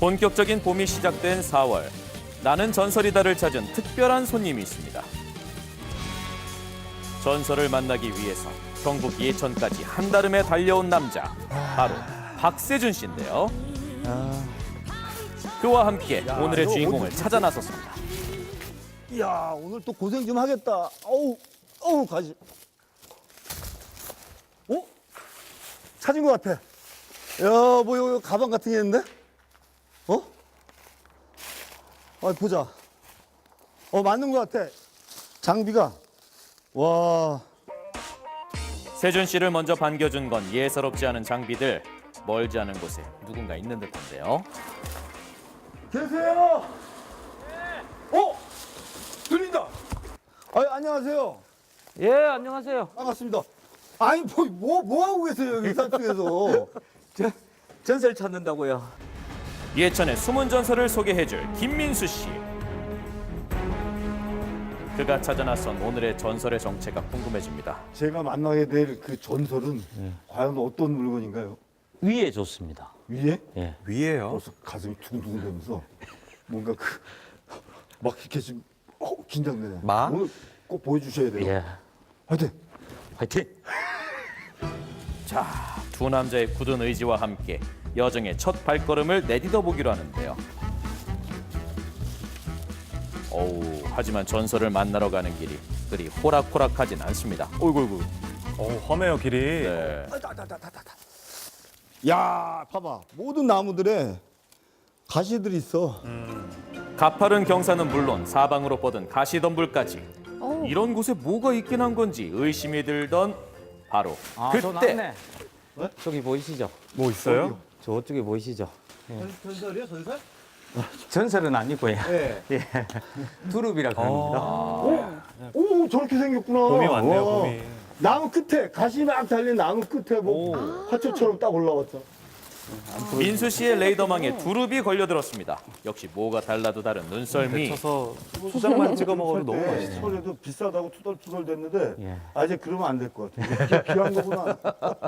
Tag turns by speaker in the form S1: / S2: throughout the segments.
S1: 본격적인 봄이 시작된 4월. 나는 전설이다를 찾은 특별한 손님이 있습니다. 전설을 만나기 위해서 경북 예천까지 한달음에 달려온 남자. 바로 박세준 씨인데요. 그와 함께 오늘의 주인공을 찾아 나섰습니다.
S2: 이야, 오늘 또 고생 좀 하겠다. 어우, 가지. 찾은 것 같아. 야, 뭐, 이거 가방 같은 게 있는데? 보자. 맞는 것 같아. 장비가. 와.
S1: 세준 씨를 먼저 반겨준 건 예사롭지 않은 장비들. 멀지 않은 곳에 누군가 있는 듯한데요.
S2: 계세요? 들린다. 안녕하세요.
S3: 예, 안녕하세요.
S2: 반갑습니다. 아니, 뭐 하고 계세요, 여기 산속에서?
S3: 전설 찾는다고요.
S1: 예천의 숨은 전설을 소개해줄 김민수 씨. 그가 찾아 나선 오늘의 전설의 정체가 궁금해집니다.
S2: 제가 만나게 될 그 전설은 과연 어떤 물건인가요?
S3: 위에 좋습니다.
S2: 위에?
S3: 예.
S4: 위에요?
S2: 벌써 가슴이 두근두근 되면서 뭔가 막 이렇게 지금 긴장되네.
S4: 마?
S2: 오늘 꼭 보여주셔야 돼요.
S3: 예.
S2: 화이팅!
S3: 화이팅!
S1: 자, 두 남자의 굳은 의지와 함께 여정의 첫 발걸음을 내딛어 보기로 하는데요. 하지만 전설을 만나러 가는 길이 그리 호락호락하진 않습니다. 어이구.
S4: 험해요, 길이.
S1: 네.
S2: 야, 봐봐. 모든 나무들에 가시들이 있어.
S1: 가파른 경사는 물론 사방으로 뻗은 가시덤불까지. 이런 곳에 뭐가 있긴 한 건지 의심이 들던 바로
S3: 저
S1: 그때.
S3: 나왔네. 저기 보이시죠?
S4: 뭐 있어요?
S3: 저쪽에 보이시죠?
S2: 전설이야, 전설?
S3: 전설은 아니고요.
S2: 네.
S3: 예. 두릅이라고 합니다.
S2: 오, 저렇게 생겼구나.
S4: 봄이 왔네요,
S2: 와.
S4: 봄이.
S2: 나무 끝에, 가시 막 달린 나무 끝에 화초처럼 딱 올라왔죠.
S1: 민수 씨의 레이더망에 두릅이 걸려들었습니다. 역시 뭐가 달라도 다른 눈썰미.
S4: 데쳐서 수작만 찍어 먹어도 너무
S2: 네,
S4: 맛있어요.
S2: 소리도 비싸다고 투덜투덜 됐는데
S3: 예.
S2: 이제 그러면 안 될 것 같아. 귀한 거구나.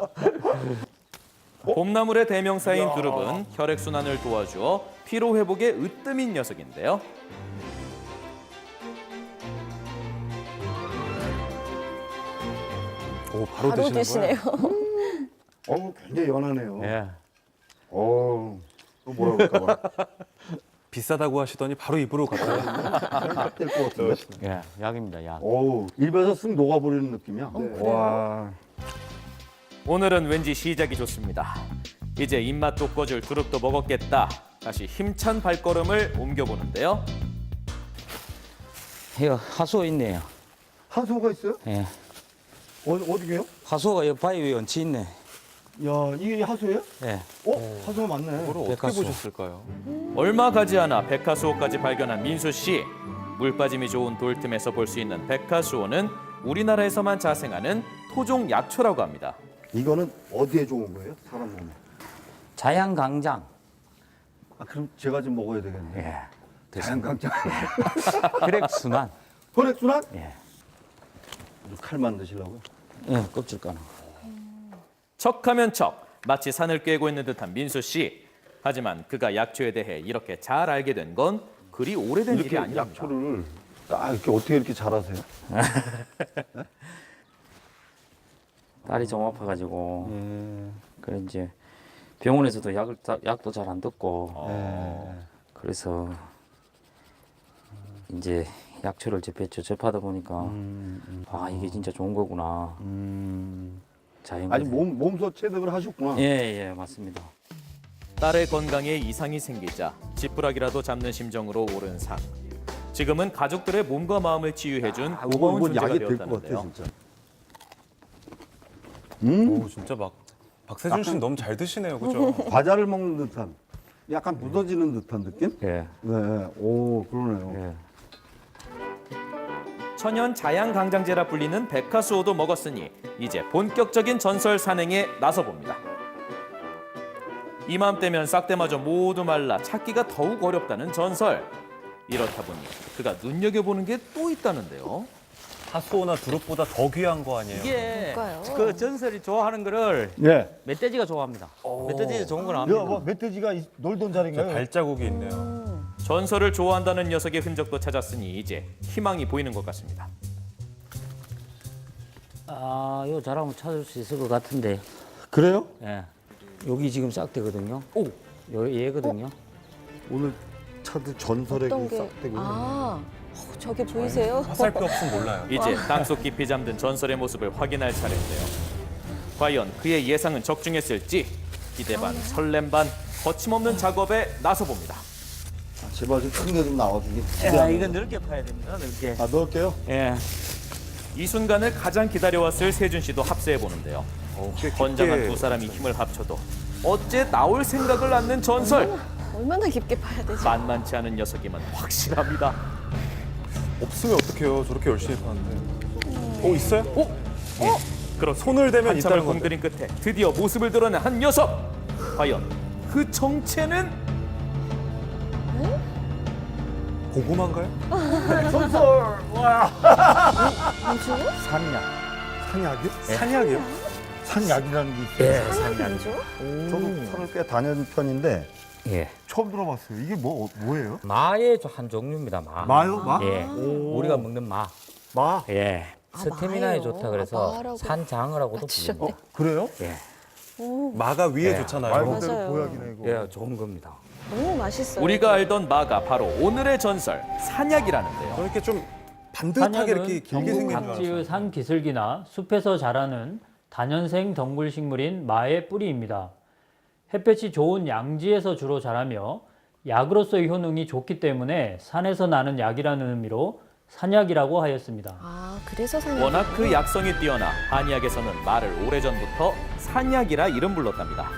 S1: 봄나물의 대명사인 두릅은 혈액순환을 도와주어 피로회복에 으뜸인 녀석인데요.
S4: 오, 바로
S5: 바로
S4: 드시는
S5: 드시네요.
S4: 거예요?
S2: 굉장히 연하네요.
S3: 예.
S2: 또 뭐라고 할까봐.
S4: 비싸다고 하시더니 바로 입으로 갔다가
S2: 될것 같은데.
S3: 예, 약입니다, 약.
S2: 입에서 쓱 녹아버리는 느낌이야.
S3: 와.
S1: 오늘은 왠지 시작이 좋습니다. 이제 입맛 돋궈줄 두릅도 먹었겠다. 다시 힘찬 발걸음을 옮겨보는데요.
S3: 이거 하수어 있네요.
S2: 하수가 있어요?
S3: 예.
S2: 어디게요?
S3: 하수어가 이 바위 위에 얹혀 있네.
S2: 야, 이게 하수예요?
S3: 예.
S2: 하수가 맞네.
S4: 그걸 어떻게
S3: 백화수.
S4: 보셨을까요?
S1: 얼마 가지 않아 백화수호까지 발견한 민수 씨. 물빠짐이 좋은 돌틈에서 볼 수 있는 백화수호는 우리나라에서만 자생하는 토종 약초라고 합니다.
S2: 이거는 어디에 좋은 거예요? 사람 몸에.
S3: 자양강장.
S2: 그럼 제가 좀 먹어야 되겠네.
S3: 예.
S2: 자연강장.
S3: 혈액순환.
S2: 혈액순환?
S3: 예.
S2: 칼만 드시려고요?
S3: 예, 껍질 까는 거.
S1: 척하면 척, 마치 산을 꿰고 있는 듯한 민수 씨. 하지만 그가 약초에 대해 이렇게 잘 알게 된 건 그리 오래된 일이
S2: 이렇게
S1: 아닙니다.
S2: 약초를 딱 이렇게 어떻게 이렇게 잘하세요?
S3: 딸이 좀 아파가지고. 그래 이제 병원에서도 약도 잘 안 듣고. 그래서 이제 약초를 접하다 보니까 이게 진짜 좋은 거구나. 자연.
S2: 아니 몸소 체득을 하셨구나.
S3: 예, 맞습니다.
S1: 딸의 건강에 이상이 생기자 지푸라기라도 잡는 심정으로 오른 산. 지금은 가족들의 몸과 마음을 치유해준 고마운 존재가
S2: 약이 될 것 같아
S1: 되었다는데요.
S2: 진짜.
S4: 오, 진짜 막 박세준 씨는 너무 잘 드시네요, 그죠?
S2: 과자를 먹는 듯한, 약간 묻어지는 듯한 느낌?
S3: 예.
S2: 네. 오, 그러네요.
S3: 예.
S1: 천연 자양강장제라 불리는 백화수호도 먹었으니 이제 본격적인 전설 산행에 나서봅니다. 이맘때면 싹대마저 모두 말라 찾기가 더욱 어렵다는 전설. 이렇다 보니 그가 눈여겨보는 게 또 있다는데요.
S4: 하수오나 두릅보다 더 귀한 거 아니에요?
S3: 이게
S5: 뭘까요?
S3: 그 전설이 좋아하는 거를
S2: 예.
S3: 멧돼지가 좋아합니다. 멧돼지가 좋은 건
S2: 야,
S3: 압니다.
S2: 뭐 멧돼지가 놀던
S4: 저
S2: 자리인가요?
S4: 발자국이 있네요.
S1: 전설을 좋아한다는 녀석의 흔적도 찾았으니 이제 희망이 보이는 것 같습니다.
S3: 아, 이거 잘하면 찾을 수 있을 것 같은데.
S2: 그래요?
S3: 예. 여기 지금 싹 되거든요. 오, 얘거든요.
S2: 오늘 찾은 전설의
S5: 어떤
S2: 그
S5: 게?
S2: 싹대고.
S5: 아, 저게 보이세요?
S4: 화살표 없으면 몰라요.
S1: 이제 땅속 깊이 잠든 전설의 모습을 확인할 차례인데요. 과연 그의 예상은 적중했을지 기대 반 설렘 반 거침없는 작업에 나서봅니다.
S2: 제발 좀 큰 게 좀 나와주기.
S3: 야, 이건 넓게 파야 됩니다. 넓게.
S2: 아, 넣을게요.
S3: 예.
S1: 이 순간을 가장 기다려왔을 세준 씨도 합세해 보는데요. 건장한 두 사람이 힘을 합쳐도 어째 나올 생각을 않는 전설.
S5: 얼마나 깊게 파야 되지?
S1: 만만치 않은 녀석임은 확실합니다.
S4: 없으면 어떡해요? 저렇게 열심히 파는데. 있어요?
S1: 그렇
S4: 손을 대면
S1: 한참을
S4: 있다는 건데.
S1: 공들인 끝에 드디어 모습을 드러낸 한 녀석. 과연 그 정체는?
S4: 고구마인가요?
S2: 전설! 와!
S5: 뭐죠?
S3: 산약.
S2: 산약이요?
S4: 산약이요?
S2: 산약이라는 게 있어요.
S3: 예,
S5: 산이
S3: 산약.
S5: 뭐죠?
S2: 저도 산을 꽤 다니는 편인데
S3: 예.
S2: 처음 들어봤어요. 이게 뭐예요?
S3: 마의 한 종류입니다. 마.
S2: 마요? 마?
S3: 예. 우리가 먹는 마.
S2: 마?
S3: 예.
S5: 아,
S3: 스태미나에
S5: 마예요?
S3: 좋다 그래서
S5: 아, 마라고.
S3: 산장어라고도
S5: 맞추셨네.
S3: 부릅니다.
S2: 그래요?
S3: 예.
S4: 마가 위에
S3: 예.
S4: 좋잖아요.
S2: 말 그대로
S5: 맞아요.
S2: 보약이네 이거.
S3: 예, 좋은 겁니다.
S5: 너무 맛있어요.
S1: 우리가 알던 마가 바로 오늘의 전설 산약이라는데요.
S4: 저렇게 좀 반듯하게 이렇게 길게 생긴 줄
S6: 각지의
S4: 알았어요.
S6: 산 기슭이나 숲에서 자라는 다년생 덩굴 식물인 마의 뿌리입니다. 햇볕이 좋은 양지에서 주로 자라며 약으로서의 효능이 좋기 때문에 산에서 나는 약이라는 의미로 산약이라고 하였습니다.
S5: 아, 그래서 산이
S1: 워낙 그 약성이 뛰어나 한의학에서는 마를 오래전부터 산약이라 이름 불렀답니다.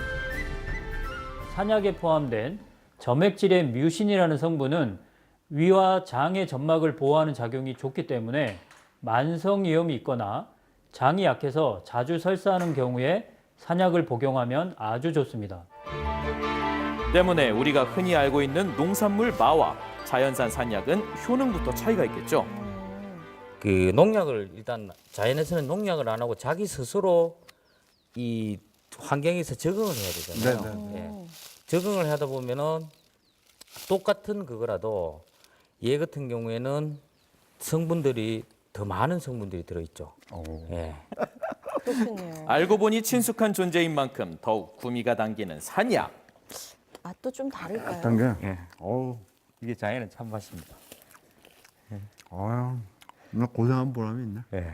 S6: 산약에 포함된 점액질의 뮤신이라는 성분은 위와 장의 점막을 보호하는 작용이 좋기 때문에 만성위염이 있거나 장이 약해서 자주 설사하는 경우에 산약을 복용하면 아주 좋습니다.
S1: 때문에 우리가 흔히 알고 있는 농산물 마와 자연산 산약은 효능부터 차이가 있겠죠.
S3: 그 농약을 일단 자연에서는 농약을 안 하고 자기 스스로 이 환경에서 적응을 해야 되잖아요. 예. 적응을 하다 보면은 똑같은 그거라도 얘 같은 경우에는 성분들이 더 많은 성분들이 들어있죠. 예.
S5: 그렇군요.
S1: 알고 보니 친숙한 존재인 만큼 더욱 구미가 당기는 산약.
S5: 맛도 좀 다를까요?
S2: 단계.
S3: 예.
S2: 어우,
S3: 이게 자연의 참맛입니다.
S2: 아유, 나 고생한 보람이 있네.
S3: 예.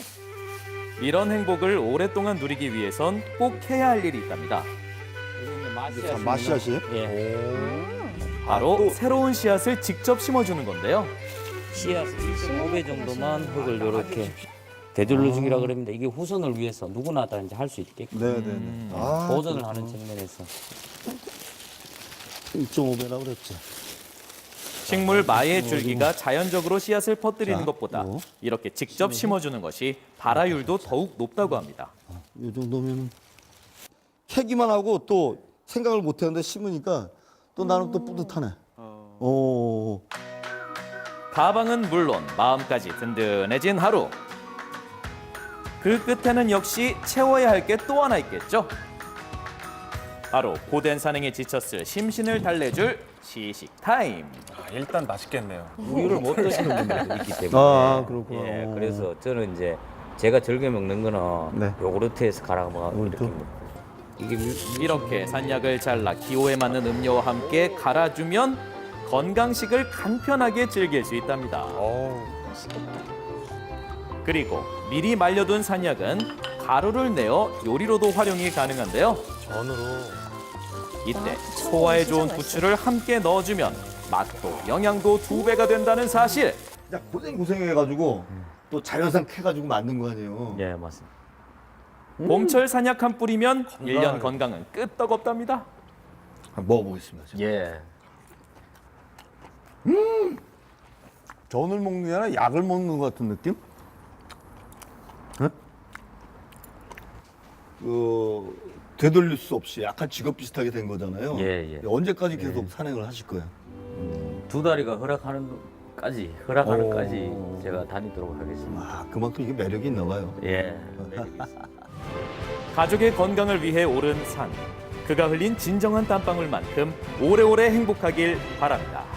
S1: 이런 행복을 오랫동안 누리기 위해선 꼭 해야 할 일이 있답니다.
S2: 마씨앗이에요?
S3: 예.
S1: 바로 새로운 씨앗을 직접 심어주는 건데요.
S3: 씨앗 1.5배 정도만 흙을 이렇게 되돌려주기라 그럽니다. 이게 후손을 위해서 누구나 다 이제 할 수 있게끔
S2: 네네네. 아,
S3: 보존을 하는 측면에서
S2: 1.5배라고 그랬지.
S1: 식물 마의 줄기가 자연적으로 씨앗을 퍼뜨리는
S2: 자,
S1: 것보다
S2: 요.
S1: 이렇게 직접 심어주는 것이 발화율도 더욱 높다고 합니다.
S2: 이 정도면 캐기만 하고 또 생각을 못 했는데 심으니까 또 나는 또 뿌듯하네. 오.
S1: 가방은 물론 마음까지 든든해진 하루. 그 끝에는 역시 채워야 할 게 또 하나 있겠죠. 바로 고된 산행에 지쳤을 심신을 달래줄 시식 타임.
S4: 일단 맛있겠네요.
S3: 우유를 못 드시는 분들도 있기 때문에
S2: 아, 그렇구나.
S3: 예, 그래서 저는 이제 제가 즐겨 먹는 거는
S2: 네.
S3: 요구르트에서 갈아 먹어 이렇게
S2: 요구르트?
S3: 먹고 이게
S1: 이렇게 산약을 잘라 기호에 맞는 음료와 함께 갈아주면 건강식을 간편하게 즐길 수 있답니다.
S5: 맛있겠다.
S1: 그리고 미리 말려둔 산약은 가루를 내어 요리로도 활용이 가능한데요.
S4: 전으로.
S1: 이때
S5: 아,
S1: 소화에
S5: 진짜
S1: 좋은
S5: 맛있어요.
S1: 부추를 함께 넣어주면 맛도 영양도 2배가 된다는 사실.
S2: 야, 고생해가지고 또 자연산 캐가지고 만든 거 아니에요.
S3: 예 맞습니다.
S1: 봄철 산약 한 뿌리면 1년 건강은 끄떡없답니다.
S2: 한번 먹어보겠습니다. 제가.
S3: 예.
S2: 전을 먹는 게 아니라 약을 먹는 것 같은 느낌? 네? 되돌릴 수 없이 약간 직업 비슷하게 된 거잖아요.
S3: 예, 예.
S2: 언제까지 계속 산행을 하실 거예요?
S3: 2다리가 허락하는 까지 허락하는까지 제가 다니도록 하겠습니다.
S2: 아, 그만큼 이게 매력이 있나 봐요.
S3: 예.
S1: 가족의 건강을 위해 오른 산. 그가 흘린 진정한 땀방울만큼 오래오래 행복하길 바랍니다.